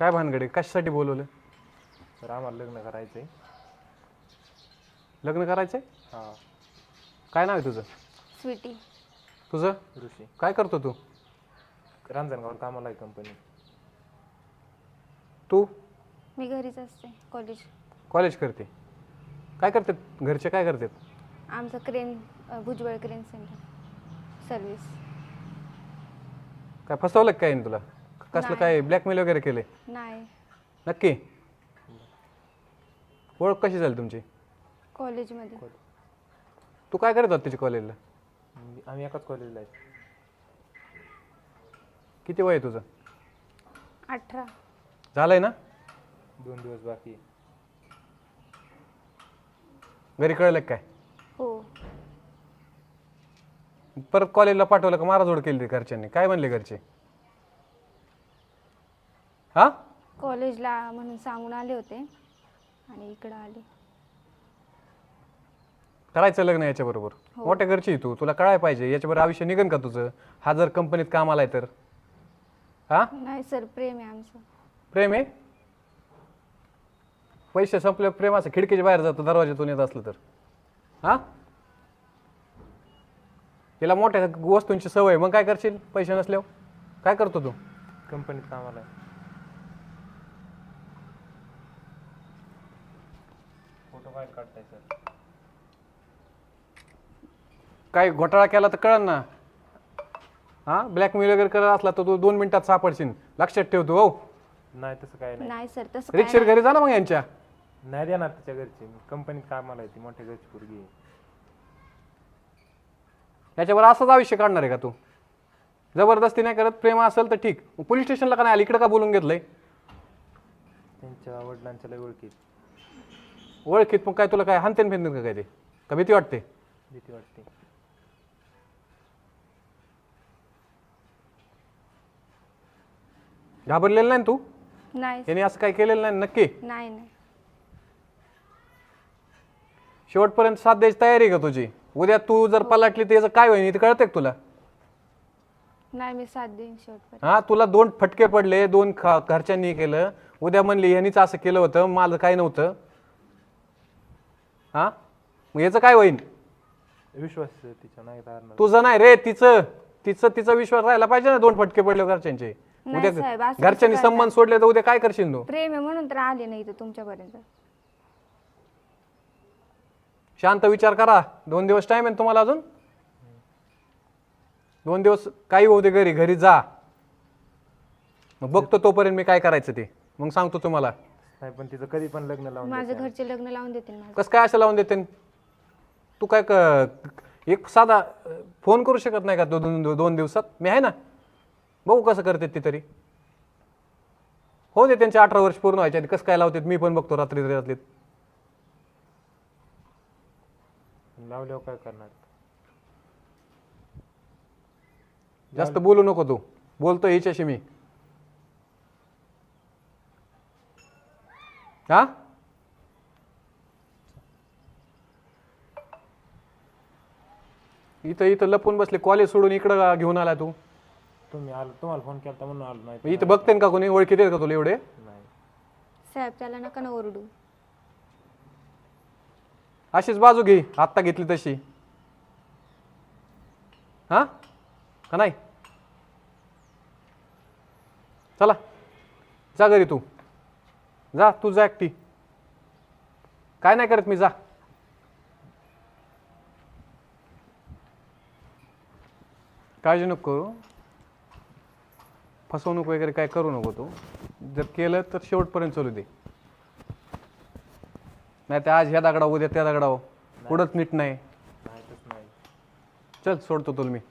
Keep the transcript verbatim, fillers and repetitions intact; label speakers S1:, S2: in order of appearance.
S1: काय भानगडे कशासाठी बोलवलं?
S2: सर आम्हाला लग्न करायचं आहे.
S1: लग्न करायचंय?
S2: हां.
S1: काय नाव आहे तुझं?
S3: स्वीटी.
S1: तुझं?
S2: ऋषी.
S1: काय करतो तू?
S2: रांजणगावर कामाला आहे कंपनी.
S1: तू
S3: मी घरीच असते. कॉलेज.
S1: कॉलेज करते. काय करतात घरचे, काय करतात?
S3: आमचं क्रेन अ, भुजबळ क्रेन सेंटर सर्विस.
S1: काय फसवलं का काय तुला? कसलं
S3: नाही.
S1: काय ब्लॅकमेल वगैरे केले?
S3: नाही.
S1: नक्की? ओळख कशी झाली तुमची?
S3: कॉलेजमध्ये.
S1: तू काय करत होता तिच्या कॉलेजला?
S2: मी- आम्ही एकाच कॉलेजला आहे.
S1: किती वय आहे तुझं?
S3: अठरा.
S1: झालंय ना?
S2: दोन दिवस बाकी आहे.
S1: घरी कळलं का काय?
S3: हो.
S1: परत कॉलेजला पाठवलं का माराजोड केली ती घरच्यांनी? काय म्हणले घरचे? हा?
S3: कॉलेजला म्हणून सांगून आले होते आणि इकडं आले.
S1: करायचं लग्न याच्याबरोबर?
S3: हो.
S1: मोठ्या घरची आहे तू, तुला कळायला पाहिजे याच्याबरोबर आयुष्य निघन का तुझं? हा जर कंपनीत कामाला आहे तर? हा?
S3: नाही सर, प्रेम आहे आमचं.
S1: प्रेम आहे? पैसे संपले प्रेम असं खिडकीच्या बाहेर जातं दरवाज्यातून येत असलं तर? हा? तिला मोठ्या वस्तूंची सवय, मग काय करशील पैसे नसल्यावर? काय करतो तू?
S2: कंपनीत कामाला आहे. फोटो काय काढताय सर?
S1: काय घोटाळा केला तर कळन ना. हा? ब्लॅकमेल वगैरे करत असला तर तू दोन मिनिटात सापडशील. लक्षात ठेवतो. हो,
S2: नाही तसं काय नाही.
S3: नाही सर, तसं काय
S1: रिक्षेत
S3: नाही.
S1: घरी जा ना मग यांच्या.
S2: नाही देणार तिच्या घरची. कंपनीत कामाला आहे ती, मोठ्या घरची पोरगी आहे.
S1: याच्यावर असंच आयुष्य काढणार आहे का तू? जबरदस्ती नाही करत, प्रेम असेल तर ठीक. पोलीस स्टेशनला का नाही आली? इकडे का बोलून घेतलंय?
S2: त्यांच्या वडिलांच्या लय ओळखीत.
S1: ओळखीत मग काय तुला काय हानतेन फेनतेन का काय ते? का भीती वाटते?
S2: भीती वाटते.
S1: घाबरलेलं नाही ना तू?
S3: नाही
S1: याने असं काय केलेलं नाही नक्की?
S3: नाही नाही.
S1: शेवटपर्यंत साथ द्यायची तयारी आहे का तुझी? उद्या तू जर पलटली तर याचं काय होईल ते कळतंय का तुला?
S3: नाही, मी साथ देईन शेवटपर्यंत.
S1: हा, तुला दोन फटके पडले, दोन ख- घरच्यांनी केलं. उद्या म्हणली यांनीच असं केलं होतं, माझं काय नव्हतं. हा, मग याचं काय होईल?
S2: विश्वास आहे तिच्या, नाही राहणार.
S1: तुझं नाही रे, तिचं तिचं तिचा विश्वास राहायला पाहिजे ना. दोन फटके पडले घरच्यांचे.
S3: नाही
S1: उद्या
S3: साहेब, असं
S1: घरच्यांनी
S3: कसं
S1: संबंध सोडले तर उद्या काय करशील तू?
S3: प्रेम आहे म्हणून तर आले नाही इथं तुमच्यापर्यंत.
S1: शांत विचार करा. दोन दिवस टाइम आहे ना तुम्हाला अजून. दोन दिवस काही होऊ दे, घरी घरी जा. मग बघतो तोपर्यंत मी काय करायचं ते, मग सांगतो तुम्हाला.
S2: नाही पण तिचं कधी पण लग्न लावून
S3: माझं
S2: द्यायचं.
S3: घरचे लग्न लावून देतील माझं.
S1: कसं काय असं लावून देते? तू काय क- एक साधा अं, फोन करू शकत नाही का दो- दोन दोन दिवसात? मी आहे ना, बघू कसं करते ती तरी. हो दे त्यांचे अठरा वर्ष पूर्ण व्हायचे आधी कसं काय लावतात मी पण बघतो रात्री रात्रीत.
S2: लावल्यावर काय करणार?
S1: जास्त बोलू नको तू. बोलतो हिच्याशी मी. हा, इथं इथं लपून बसले. कॉलेज सोडून इकडं घेऊन आला तू.
S2: तुम्ही आलो, तुम्हाला फोन केला म्हणून आलो. नाही तर
S1: इथं बघते का कोणी? ओळखीत आहेत का तुला एवढे?
S2: नाही.
S3: साहेब, त्याला नका ना ओरडू.
S1: अशीच बाजू घे, आत्ता घेतली तशी. हा का नाही? चला जा घरी. तू जा, तू जा एकटी. काय नाही करत मी, जा. काळजी नको करू. फसवणूक वगैरे काय करू नको तू. जर केलं तर शेवटपर्यंत चालू दे. नाही तर आज ह्या दगडावर उद्या त्या दगडावर. पुढंच नीट नाही.
S2: नाही तसं नाही.
S1: चल सोडतो तुला मी.